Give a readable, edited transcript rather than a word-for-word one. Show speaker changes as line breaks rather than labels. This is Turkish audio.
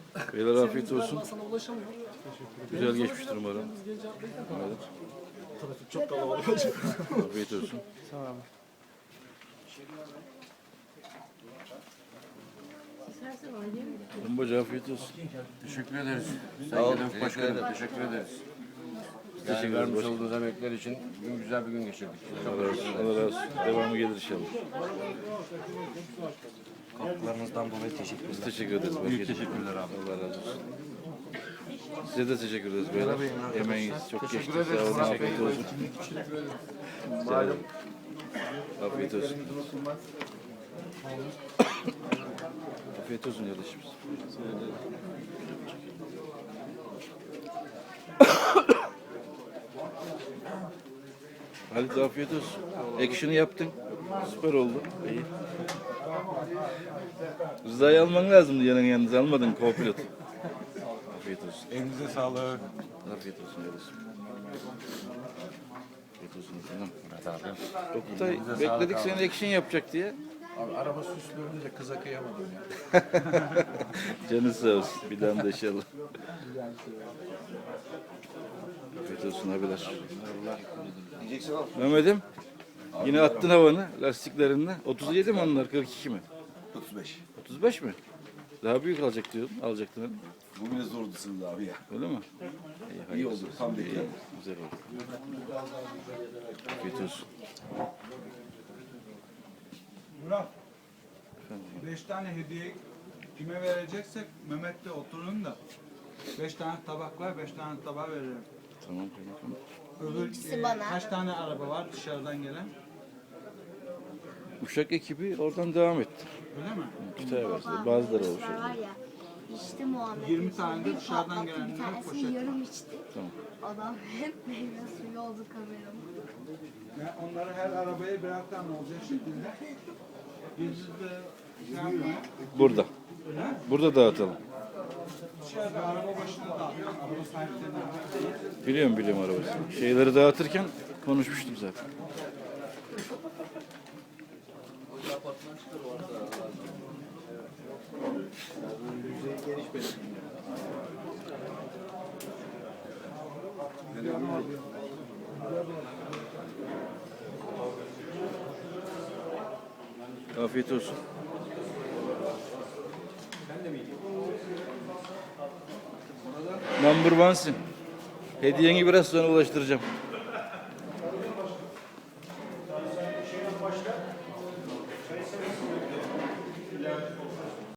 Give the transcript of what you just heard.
Beyler afiyet olsun.
Sana ulaşamıyor.
Güzel geçmiştir umarım. Evet.
Trafik çok kalabalık.
Afiyet olsun.
Sağ ol.
Bombacı afiyet olsun.
Teşekkür ederiz.
Sağ olun.
Sayın Başkanım teşekkür ederiz.
Teşekkür
Yani
ederiz
vermiş
başkanım.
olduğunuz emekler için bugün güzel bir gün geçirdik.
Allah razı olsun. Allah razı olsun. Devamı gelir inşallah.
Katkılarınızdan dolayı teşekkürler.
Biz teşekkür ederiz.
Büyük teşekkürler abi.
Allah razı olsun. Size de teşekkür ederiz beyler. Emeğiniz çok geçti.
ederiz.
Sağ olun.
Murat
Afiyet
Bey.
olsun. Malum. Afiyet olsun. Afiyet olsun kardeşim. Halit afiyet olsun. Action'ı yaptın. Süper oldu. İyi. Rıza'yı alman lazımdı yanınıza. Almadın co-pilot. Afiyet olsun.
Elinize sağlık.
Afiyet olsun kardeşim. Afiyet olsun efendim.
Murat abi.
Oktay bekledik seni action yapacak diye.
Abi araba süslüğünde kıza kıyamadım ya.
Canı sağ olsun. Bir daha da inşallah. Afiyet olsun abiler. Mehmet'im yine attın havanı lastiklerinle. 37 mi onlar? 42 mi?
35.
35 mi? Daha büyük alacak diyordun. Alacaktın hani.
Bu bile zordu sınırdı abi ya.
Öyle mi?
İyi oldu. Tam
İyi,
bekledim.
güzel oldu. Afiyet olsun.
Murat,
Efendim.
5 tane hediye kime vereceksek Mehmet'le oturun da 5 tane tabak var, 5 tane tabağı veririm.
Tamam kaymakam.
Öbür kaç tane araba var dışarıdan gelen?
Uşak ekibi oradan devam etti.
Öyle mi?
Kütahya versin. Bazıları olmuş.
Var ya, içti Muhammed.
20 tane de
Bir
dışarıdan
patlattı,
gelenler
bir tanesini
poşet.
yarım içti.
Tamam.
Adam hep meyve suyu oldu kameramın.
Yani onları her arabaya birer tane olacak şekilde. Biz de şey yapmayın.
Burada. Burada dağıtalım.
Dışarıda araba başında dağıtıyoruz. Araba sahiplerine.
Biliyorum arabası. Şeyleri dağıtırken konuşmuştum zaten. Afiyet olsun. Number one'sin. Hediyeni biraz sonra ulaştıracağım.